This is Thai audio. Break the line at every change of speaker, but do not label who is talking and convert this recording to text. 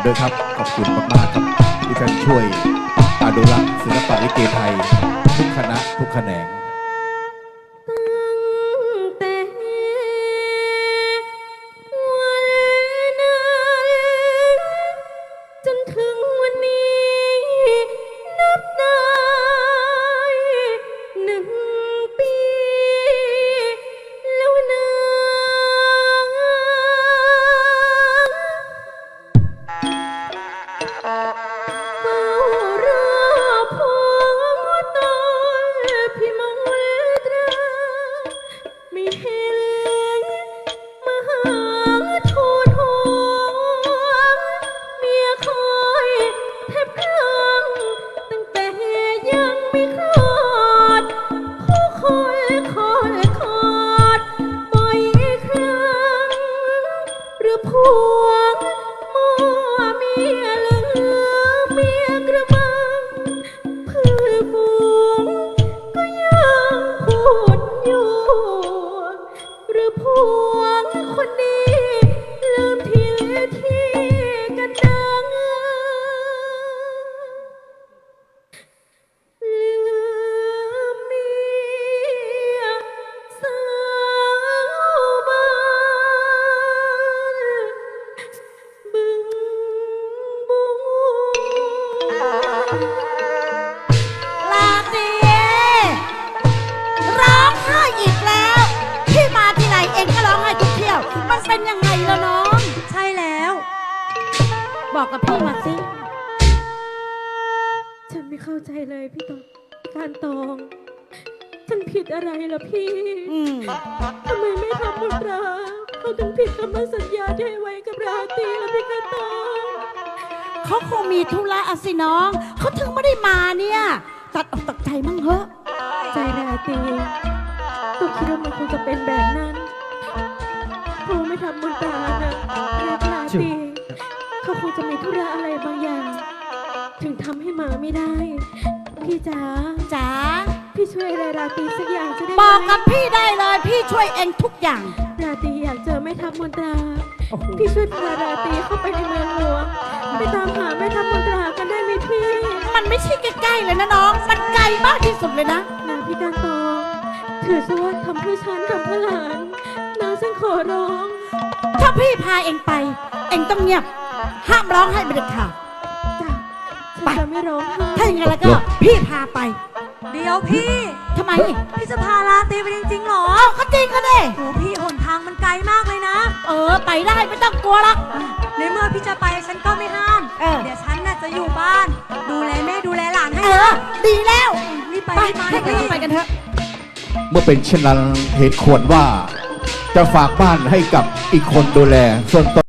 ด้วยครับขอบคุณมากๆครับที่ท่านช่วยอนุรักษ์ศิลปะลิเกไทยทุกคณะทุกแขนง
แต่วันนั้นจนถึงวันนี้นับได้1 ปีแล้วนะเฝ้ารอพบตอนพี่มนตราไม่เห็นมาหาทูลหัวเมียคอยแทบคลั่งตั้งแต่ยังไม่คลอดผู้คอยบ่อยครั้งหรือพวงมั่วเมียลืมเมียกระมังเพื่อนฝูงก็ยังพูดอยู่หรือพวงคนนี้ลืมที่กันดังลืมเมียสาวบ้านบึงบัว
ลาตรีร้องไห้อีกแล้วพี่มาที่ไหนเองก็ร้องไห้ทุกเที่ยวมันเป็นยังไงล่ะน้องใช่แล้ว บอกกับพี่มาสิ
ฉันไม่เข้าใจเลยพี่ตองการตองฉันผิดอะไรล่ะพี่ทำไมไม่ทำบุญราเขาถึงผิดคำมั่นสัญญาที่ให้ไว้กับราตรีล่ะพี่การตอง
เขาคงมีธุระอะสิน้องเขาถึงไม่ได้มาเนี่ยตัดออกตัดใจมั่งเหอะ
ใจราตรีก็คิดว่ามันคงจะเป็นแบบนั้นเพราะไม่ทำบุญตานะรักราตรีเขาคงจะมีธุระอะไรบางอย่าง ถึงทำให้มาไม่ได้ พี่จ๋า
จ๋า
พี่ช่วยอะไรราตรีสักอย่างจะได้ไหม
บอกกับพี่ได้เลยพี่ช่วยเองทุกอย่าง
ราตรีอยากเจอแม่ทัพมนตรา พี่ช่วยพาราตรีเข้าไปในเมืองหลวงไปตามหาแม่ทัพมนตรากันได้ไหมพี่
มันไม่ใช่ใกล้ๆเลยนะน้องมันไกลมากที่สุดเลยนะ
นาพี่การตองถือซะว่าทำเพื่อฉันทำเพื่อหลานนาฉันขอร้อง
ถ้าพี่พาเองไป เองต้องเงียบ ห้ามร้องให้เป็นเด็ดขาด
จ้ะฉันจะไม่ร้องไห้
ถ้าอย่างนั้นแล้วก็พี่พาไป
เดี๋ยวพี่
ทำไม
พี่จะพาลาตรีไปจริงๆหรอ
อ้าวก็จริงก็ดิ
โหพี่หนทางมันไกลมากเลยนะ
ไปได้ไม่ต้องกลัวหรอก
ในเมื่อพี่จะไปฉันก็ไม่ห้าม เดี๋ยวฉันน่ะจะอยู่บ้าน ดูแลแม่ดูแลหลานให้นะ
ดีแล้ว
รีบไป
ไป
รีบมา
ให้
พี่
เราไปกันเถอะ
เมื่อเป็นเช่นนั้นเหตุควรว่าจะฝากบ้านให้กับอีกคนดูแลส่วนตน